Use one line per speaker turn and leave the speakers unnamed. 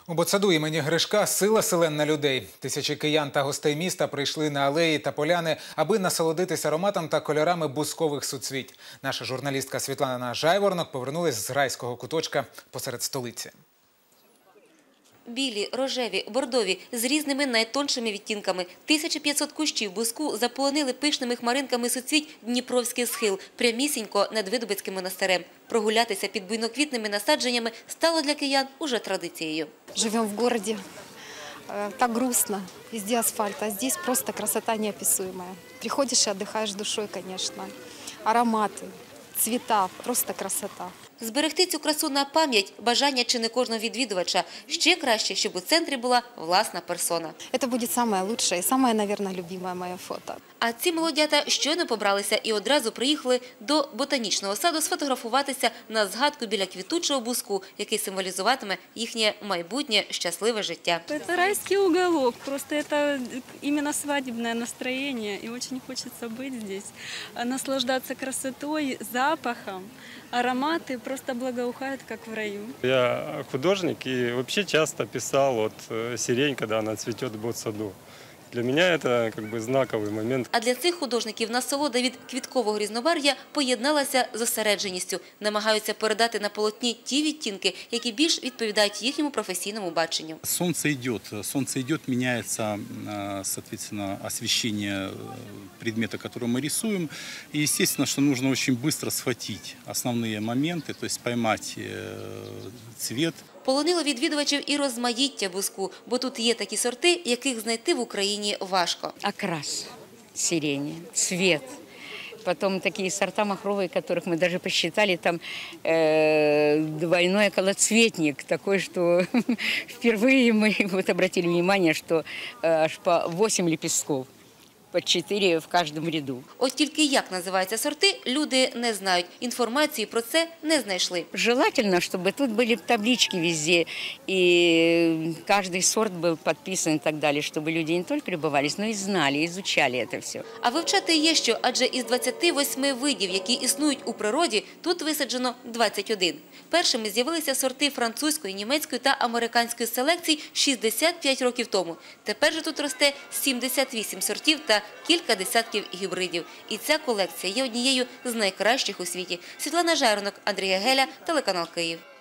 У Ботсаду імені Гришка сила селен людей. Тисячі киян та гостей міста прийшли на алеї та поляни, аби насолодитися ароматом та кольорами бузкових суцвіть. Наша журналістка Світлана Жайворонок повернулась з райського куточка посеред столиці.
Білі, рожеві, бордові, з різними найтоншими відтінками. 1500 кущів бузку заполонили пишними хмаринками суцвіть Дніпровський схил, прямісінько над Видубицьким монастирем. Прогулятися під буйноквітними насадженнями стало для киян уже традицією.
Живем в городе, так грустно, везде асфальт, а здесь просто красота неописуемая. Приходишь и отдыхаешь душой, конечно. Ароматы, цвета, просто красота.
Зберегти цю красу на пам'ять – бажання чи не кожного відвідувача. Ще краще, щоб у центрі була власна персона.
Это будет самое лучшее и самое, наверное, любимое мое фото.
А ці молодята щойно побралися і одразу приїхали до ботанічного саду сфотографуватися на згадку біля квітучого бузку, який символізуватиме їхнє майбутнє щасливе життя.
Это райский уголок, просто это именно свадебное настроение, и очень хочется быть здесь, наслаждаться красотой, запахом, ароматы просто благоухают, как в раю.
Я художник и вообще часто писал сирень, когда она цветет в Ботсаду. Для меня это знаковый момент.
А для цих художників насолода від квіткового різнобарв'я поєдналася з зосередженістю. Намагаються передати на полотні ті відтінки, які більш відповідають їхньому професійному баченню.
Солнце идет, меняется, соответственно, освещение предмета, который мы рисуем. И, естественно, что нужно очень быстро схватить основные моменты, то есть поймать цвет.
Полонило відвідувачів і розмаїття бузку, бо тут є такі сорти, яких знайти в Україні важко.
Окрас сирени, цвет. Потом такие сорта махровые, которых мы даже посчитали, там двойной околоцветник, такой, что впервые мы обратили внимание, что аж по 8 лепестков. По 4 в кожному ряду.
От тільки як називаються сорти, люди не знають. Інформації про це не знайшли.
Желательно, чтобы тут были таблички везде, и каждый сорт был подписан и так далее, чтобы люди не только любовались, но и знали, изучали это все.
А вивчати є що, адже із 28 видів, які існують у природі, тут висаджено 21. Першими з'явилися сорти французької, німецької та американської селекцій 65 років тому. Тепер же тут росте 78 сортів та кілька десятків гібридів. І ця колекція є однією з найкращих у світі. Світлана Жайворонок, Андрій Геля, телеканал Київ.